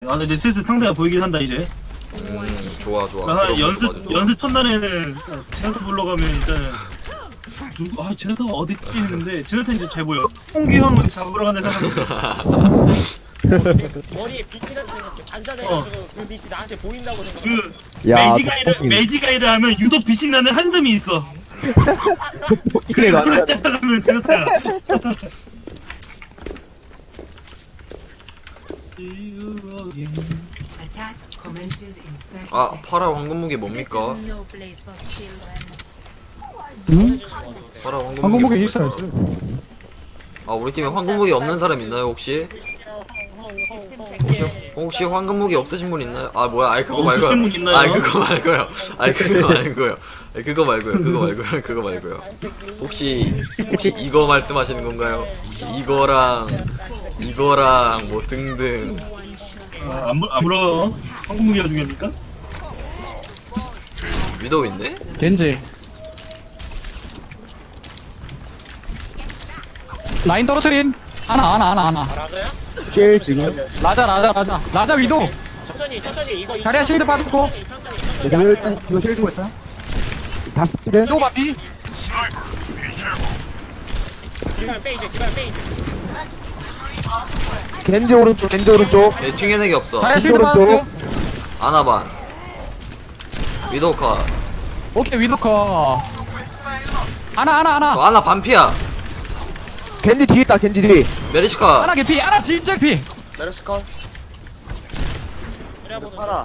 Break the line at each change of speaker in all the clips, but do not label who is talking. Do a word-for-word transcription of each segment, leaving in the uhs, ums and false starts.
아, 근데 슬슬 상대가 보이긴 한다 이제.
음 좋아 좋아.
아,
좋아,
연습
좋아, 좋아.
연습 첫날에는 제나타 불러 가면 일단은 누구 아 제나타가 어딨지 했는데 제나타 이제 잘 보여. 홍기 형을 잡으러 가는 사람.
머리에 빛이 나는 이렇게 반사돼가지고
어.
그 빛이 나한테 보인다고 생각.
그
야,
매지가이드
덕분이.
매지가이드 하면 유독 빛이 나는 한 점이 있어.
이게
그걸
맞아.
하면 제나타야.
아 파라 황금무기 뭡니까?
응?
파라 황금무기.
항공목에
뭡니까?
있어야지.
아 우리 팀에 황금무기 없는 사람 있나요 혹시? 혹시, 혹시 황금무기 없으신 분 있나요? 아 뭐야 아이 그거 말고요.
없으신 분 있나요?
아이 그거 말고요. 아이 그거 말고요. 아이 그거 말고요. 그거 말고요. 그거 말고요. 혹시 혹시 이거 말씀하시는 건가요? 혹시 이거랑 이거랑 뭐 등등.
아, 안, 물- 안 물어. 한국무기가 중요합니까?
위도우인데?
겐지. 라인 떨어뜨린. 하나 하나 하나 하나.
맞아요?
킬 지금.
라자 라자 라자. 라자 위도.
천천히 천천히 이거
자리야 쉴드 빠졌고.
내가 일단 이거 킬 주고 있어. 다 스피드.
위도 바피.
기반 페이지 기반 페이지.
겐지 오른쪽, 겐지 오른쪽.
얘 튕겨내기 없어.
자리야 쉴드
오른쪽.
빠졌어.
아나반. 위도우 컷.
오케이 위도 커. 하나 하나 하나.
어, 아나 반피야.
겐지 뒤에 있다, 겐지 뒤.
메리시 컷.
하나 개피. 하나 진짜 피.
메르시컷 팔아.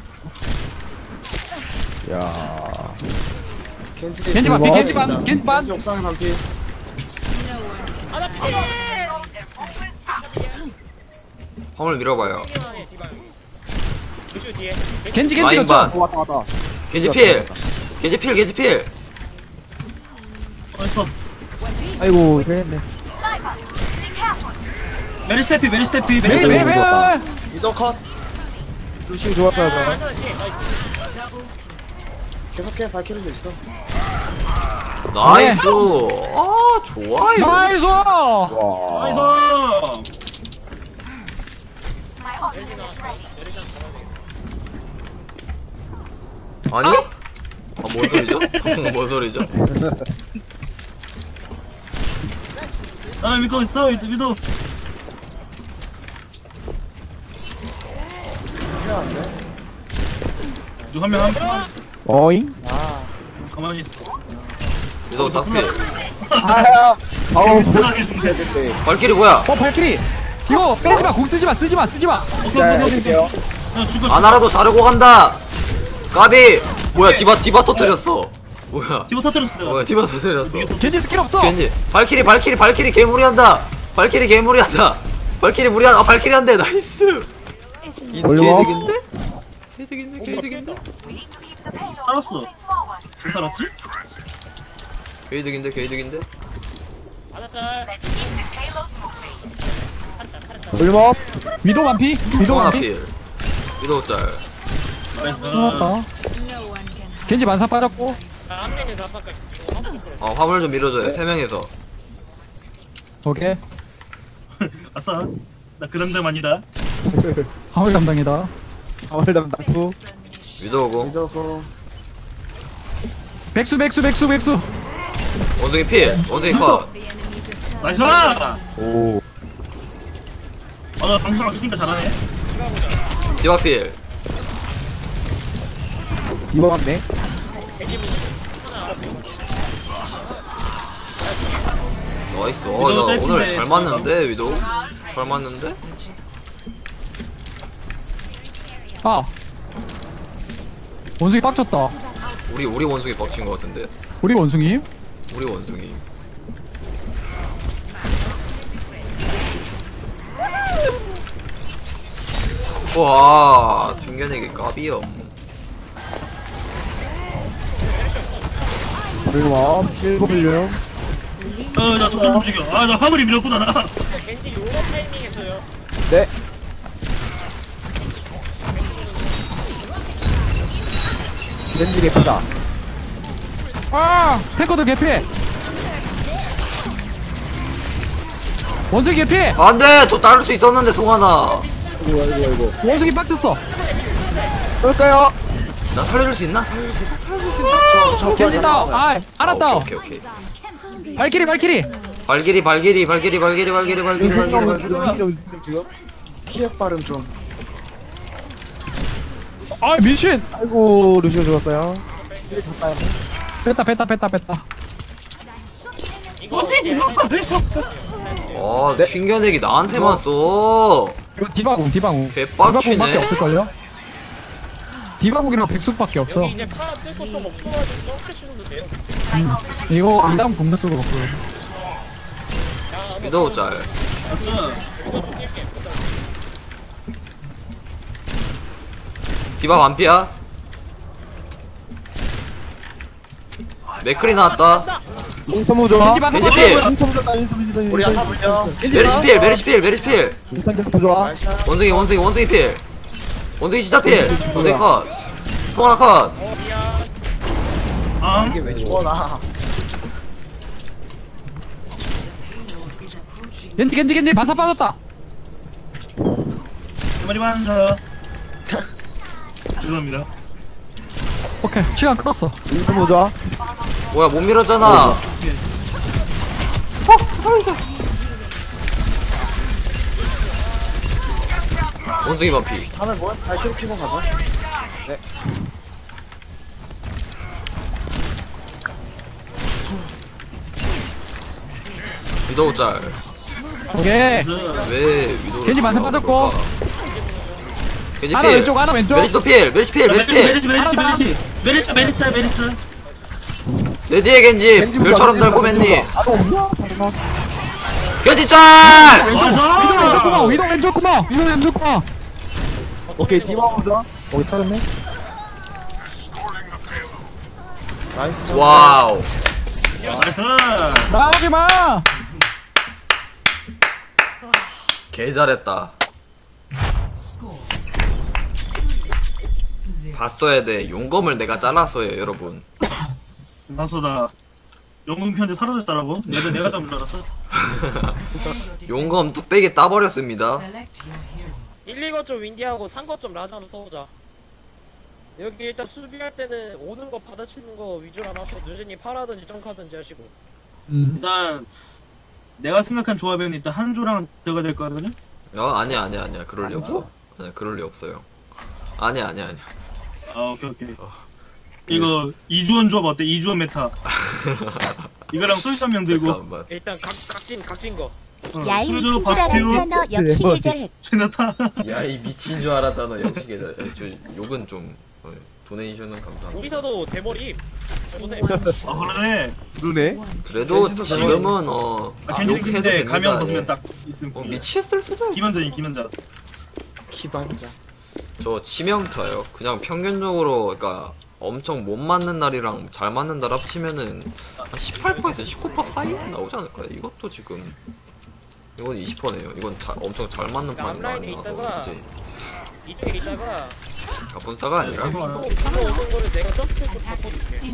야.
겐지
겐지 반피. 겐지 반. 겐지 반.
겐지 옥상에 반피.
아나 피.
화물 밀어봐요.
뒤에 디반. 루슈 뒤에.
겐지 겐지
라인
였죠.
반.
어, 왔다, 왔다.
겐지 필. 겐지 필. 겐지 필.
어딨어?
아이고, 그랬네.
메리스테피 메리스테피
왜
메리스테피.
왜 왜?
미더 컷.
루시 좋았어요, 저는.
하나 뒤에 나이스.
계속해 발키리도 있어.
나이스. 아 좋아요.
나이스.
와.
나이스.
아니? 아뭔 소리죠? 뭔 소리죠?
나 믿고 있어 믿어.
필요한데?
누구 한명 한 명
어잉?
아
가만히 있어.
위도우 딱 필.
아야. 아우,
편하게 준대.
네.
발길이 뭐야?
어 발키리. 이거 빼지 마. 공 쓰지 마. 쓰지 마. 쓰지 마.
오케이
자,
오케이 오케이.
해줄게요.
야 죽어.
아나라도 자르고 간다. 까비. 뭐야 디바 디바 터뜨렸어. 뭐야?
디버 터뜨렸어요.
뭐야 디바 터뜨렸어.
겐지 스킬 없어.
겐지. 발길이 발길이 발길이 개무리한다. 발길이 개무리한다. 발길이 무리한. 아 발길이 한대. 나이스. 이
올려.
개득인데? 개득인데 개득인데?
살았어. 왜 살았지?
개득인데 개득인데?
하나 짤.
올림업.
위도 반피. 위도
하나
반피.
필. 위도우 짤.
나이스.
좋았다. 겐지 만사 빠졌고.
아, 앞면에서 아빠까지. 이거 한번 더
어 화물 좀 밀어줘요. 세 명에서.
오케이.
아싸. 나 그 담당 아니다.
화물 담당이다.
아월 담당 투.
위도우고.
미더 컷.
백수 백수 백수 백수.
원숭이 필. 원숭이 컷.
나이스. 아,
오.
나 방송 안 키니까 잘하네.
디바 필.
이거 같네.
나이스. 어, 나
위도우
오늘
셀프인데.
잘 맞는데 위도우. 잘 맞는데?
아. 원숭이 빡쳤다.
우리 우리 원숭이 빡친 것 같은데.
우리 원숭이.
우리 원숭이. 와, 중견에게 까비염.
올림업. 일곱 밀려.
어, 나 점점 움직여. 아, 나 화물이 밀었구나 나.
겐지 요런 타이밍에서요.
네. 겐지 개피다.
아. 탱커도 개피. 원숭이 개피.
안돼, 저 따를 수 있었는데 송하나.
이거 이거 이거.
원숭이 빡쳤어.
그럴까요?
나 살려줄 수 있나? 살려줄 수 있나? 살려줄 수 있나?
저
겐지다. 아, 알았다.
아, 오케이 오케이 오케이.
발키리 발키리.
발길이 발길이 발길이 발길이 발길이 발길이 발길이 발길이.
지금.
키읔 발음 좀.
아, 미친.
아이고 루시오 죽었어요.
뺐다 뺐다 뺐다 뺐다.
이거 이제
아 튕겨내기 나한테만 써.
이거 디바공 디바공.
개빡치네.
디바공밖에 없을걸요? 디바공이랑 백숙밖에 없어.
여기 이제 파라 뜯고 좀 없어가지고 점프시도 돼요.
이거 이다음 공대 쓰고 없어.
위도우 짤.
맞아.
디바 완피야. 맥클이 나왔다.
인스턴 무좋아.
겐지
겐지
방금
필.
인스턴 무좋다 인스턴 인스턴
우리 아타 물려.
메리시 필 메리시 필 메리시 필.
인스턴 계속 부좋아.
날샷.
원숭이 원숭이 원숭이 필. 원숭이 진짜 필. 원숭이 컷. 통 하나 컷.
아,
이게 왜 죽어 나.
겐지 겐지 겐지 바사 빠졌다.
머리 반사. 죄송합니다.
오케이 시간 끌었어.
인스턴 무좋아.
뭐야 못 밀었잖아. 원숭이 반피.
다음에 모여서 발키리 피고 가자.
위도우 짤.
오케이.
왜 위도우?
겐지 만세 빠졌고.
겐지
하나
필.
왼쪽 하나 왼쪽.
메리시도 필. 메리시 필. 메리시 필.
메리스 메리스 메리스 메리스 메리스 메리스.
내 뒤에 겐지. 별처럼 달고 맨니.
아도 없냐?
겐지 짤.
위도 왼쪽 구멍 위도 왼쪽 구멍 위도 왼쪽 구멍.
오케이 디바 무좋아. 오케이 털었네.
나이스. 점.
와우.
나이스.
나오지 마.
개 잘했다. 봤어야 돼. 용검을 내가 잘랐어요, 여러분.
나서다. 영웅 편지 사라졌다라고? 내가 내가 잘못 알았어.
용검 뚝배기 따버렸습니다.
일, 이 거 좀 윈디하고 삼 거 좀 라자 한번 써보자. 여기 일단 수비할 때는 오는 거 받아치는 거 위주로 하면서 누진이 파라든지 점카든지 하시고.
음.
일단 내가 생각한 조합에는 일단 한조랑 들어가야 될 거거든요.
어, 아니야, 아니야, 아니야. 그럴 리 없어. 아니야, 그럴 리 없어요. 아니야, 아니야, 아니야.
아 오케이 오케이. 이거 이주원 조합 어때? 이주원 메타. 이거랑 솔직 한명 들고.
잠깐만.
일단 각, 각진 각진 거.
어,
야이
솔저
미친 줄
바스티오
알았잖아. 역시 계절했.
제나타.
야, 이 미친 줄 알았잖아. 역시 계절. 저 욕은 좀 어, 도네이션은 감사합니다.
우리서도 대머리. 해보세요.
아 그러네.
그러네.
그래도
겐지도
지금은 어
아, 괜찮
욕해도
근데
됩니다.
가면
예.
벗으면 딱 있음.
어, 미치겠을 수도.
김한자니 김한자.
기반자.
저 치명타요. 그냥 평균적으로 그러니까 엄청 못 맞는 날이랑 잘 맞는 날 합치면은 한 십팔 퍼센트, 십구 퍼센트 사이 나오지 않을까요? 이것도 지금 이건 이십 퍼센트네요. 이건 자, 엄청 잘 맞는 판이
앞라인에
나와서
있다가
이제
이쪽에 있다가
가분싸가 아니라
아,
또 가서 오는 거를 내가 점프해서 바꿔줄게.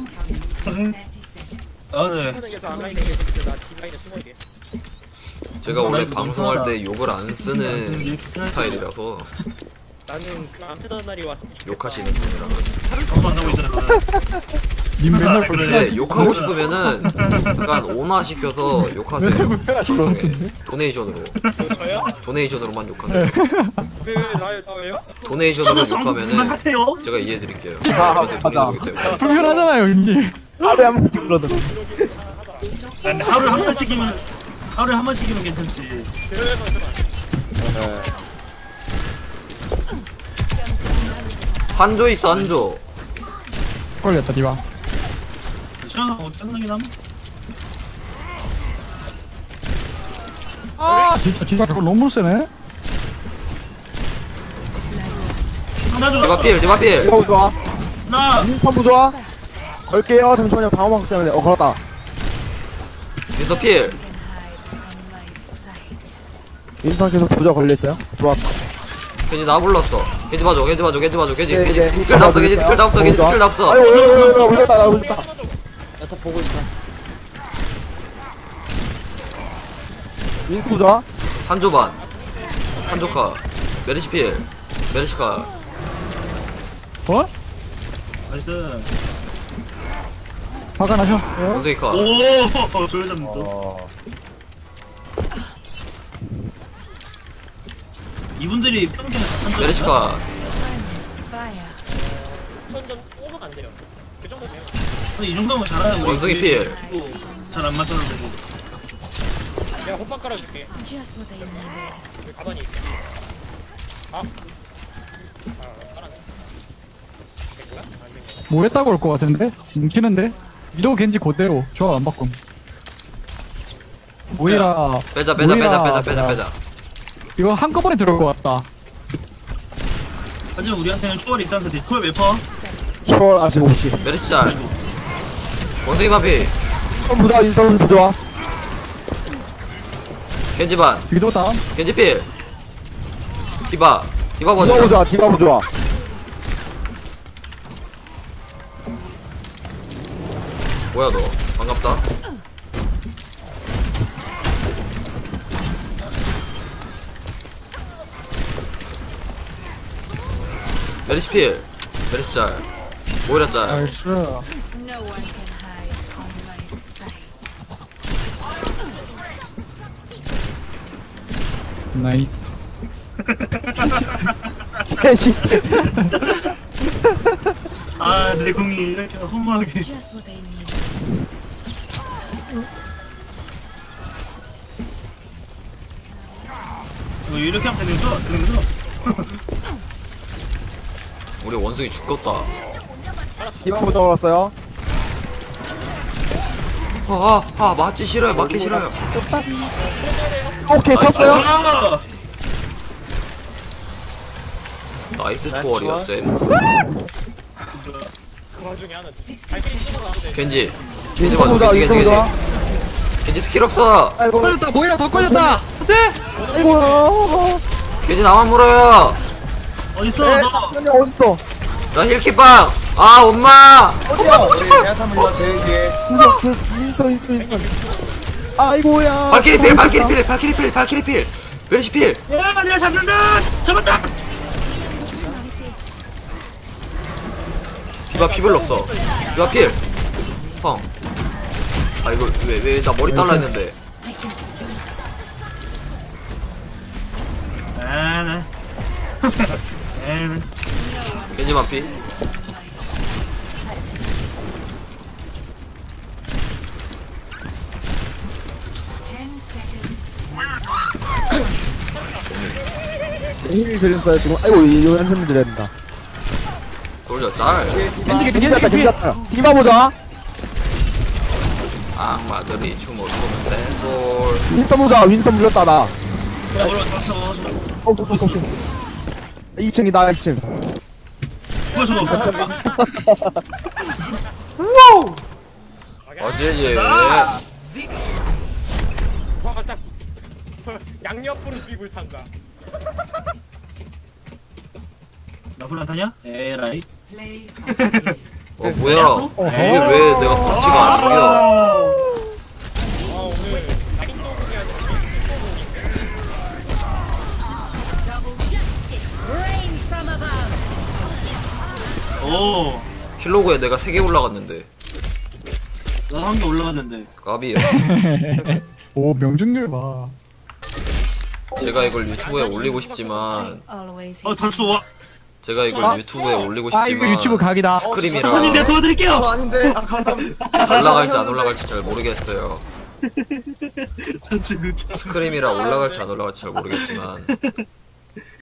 아 네.
하는 게저 앞라인에 계속 나 뒷라인에 숨어있게.
제가 원래
라이브 너무
방송할
편하다.
때 욕을 안 쓰는 스타일이라서
나는 그 안 패던 날이 왔으면 좋겠다.
욕하시는 분이라
방송 안 하고 있잖아.
님 맨날
그래.
불편하지.
근데 욕하고 싶으면은 약간 온화 시켜서 욕하세요.
불편하신 것
방송에
같은데.
도네이션으로
뭐 저요?
도네이션으로만 욕하세요.
왜, 왜 나요? 나 왜요?
도네이션으로
저도
욕하면은
하세요.
제가 이해해드릴게요.
아,
저한테
맞아.
돈이 들기 때문에.
불편하잖아요 님.
하루에 한 번씩 불러들어.
아니, 하루에 한 번씩이면 하루에 한 번씩이면 괜찮지.
그래서 좀
한조 있어 한조.
걸렸다 디바.
시원하고 뭐 짜증나긴 함.
아 진짜 디바 저거 너무 세네.
하나
디바 필 디바 필.
디바 무좋아.
나
인스턴 무좋아. 걸게요. 잠시만요. 방어막 때문에. 어 걸었다.
미서 필.
인스턴 계속 부좋아 걸려있어요. 들어왔다.
겐지 나 불렀어. 겐지 봐줘 겐지 봐줘 겐지 봐줘 겐지
네,
겐지
네.
스킬 다 없어 겐지 스킬 다 없어 겐지 스킬 다 없어.
아이고 아이고 아이고 울렸다 나 울렸다.
야타 보고 있어.
인스 부좋아.
한조 반. 한조 카. 메르시 필. 메르시카.
어?
나이스.
화가 나셨어요?
원숭이 컷.
오, 조여잡는 또.
어.
이분들이 평균에 사천
메르시카.
천전 오면 안 돼요. 그 정도 돼요.
이 정도면 잘하는 거야.
원숭이 필.
잘안 맞춰도 되고.
내가 호빵 깔아줄게.
Just what they needed.
여기 가만히 있어. 아. 아, 살았네. 된 거야? 안 된 거야?
뭐 했다고 올 것 같은데? 뭉치는데? 위도 겐지 그대로 조합 안 바꿈. 모이라
빼자 빼자 빼자
모이라
빼자 빼자
뭐야.
빼자.
이거 한꺼번에 들어올 것 같다.
하지만 우리한테는 초월이 있다는 사실. 초월 몇 퍼?
초월 아직 없이.
메르시 잘. 원숭이 반피.
선 부자 인선 부자.
겐지 반.
위도 다운.
겐지 필. 디바. 디바
디바
보자.
부자 디바 부자.
뭐야 너? 반갑다. 메르시 필. 메르시 잘. 모이라 잘.
나이스.
No one can hide on my sight.
나이스.
캔시.
아, 내 공이 이렇게 허무하게.
Just what they needed.
뭐 이렇게 하면 되는 거? 되는 거죠?
우리 원숭이 죽겠다.
디바 부자 올랐어요.
아, 아, 아, 맞지 싫어요. 맞기 싫어요.
오케이 쳤어요.
아!
나이스
나이스
초월이야,
초월.
쌤.
그 와중에 하나. 발길이 쓰고 안 돼.
겐지. 겐지
인선 부자
겐지,
인선
겐지.
부자.
겐지 스킬 없어.
아이고
걸렸다. 모이라 더 걸렸다.
아이고.
겐지 나만 물어요.
어딨어,
에
너?
현이 어딨어?
나 힐키빵. 아, 엄마.
어디야?
우리 제아타 물려 제일 뒤에.
인선 인선 인선 인선. 아이고야.
발키리 필, 발키리 필, 발키리 필, 발키리 필. 메르시 필.
야, 내가 잡는다! 잡았다!
디바 피 별로 없어. 디바 필. 펑. 아, 이거 왜, 왜, 나 머리 달라 했는데.
아, 나. 에이, 나.
겐지만 피.
힐 드렸어요 지금. 아이고 이거 한숨 드려야 된다.
돌려 짤.
겐지
겐지
겐지
갔다 겐지
겐지.
갔다. 디바 보자.
악마들이 춤을 추는 댄솔.
윈선 보자. 윈선 물렸다 나.
야, 올라, 잡았어, 잡았어.
어, 어, 어, 어. 이 층이다 이 층.
뭐야, 저거.
어제 얘.
아!
와가 딱 양옆으로 드립을 탄다.
나 불안 타냐? 에라이.
어 뭐야? 이게 왜 내가 터치가 안 이겨?
아 오늘 낙인도국이 아니라
Rains from above.
오,
킬로그에 내가 세 개 올라갔는데
나 한 개 올라갔는데.
까비요.
오 명중률 봐.
제가 이걸 유튜브에 올리고 싶지만
Always
어, 잠시 와.
제가 이걸 유튜브에 올리고
아 이거 유튜브
싶지만
각이다.
스크림이라
선생님, 내가 도와드릴게요!
저 아닌데. 아 감사합니다.
올라갈지 안 올라갈지 잘 모르겠어요.
전체 그
스크림이라 올라갈지 안 올라갈지 잘 모르겠지만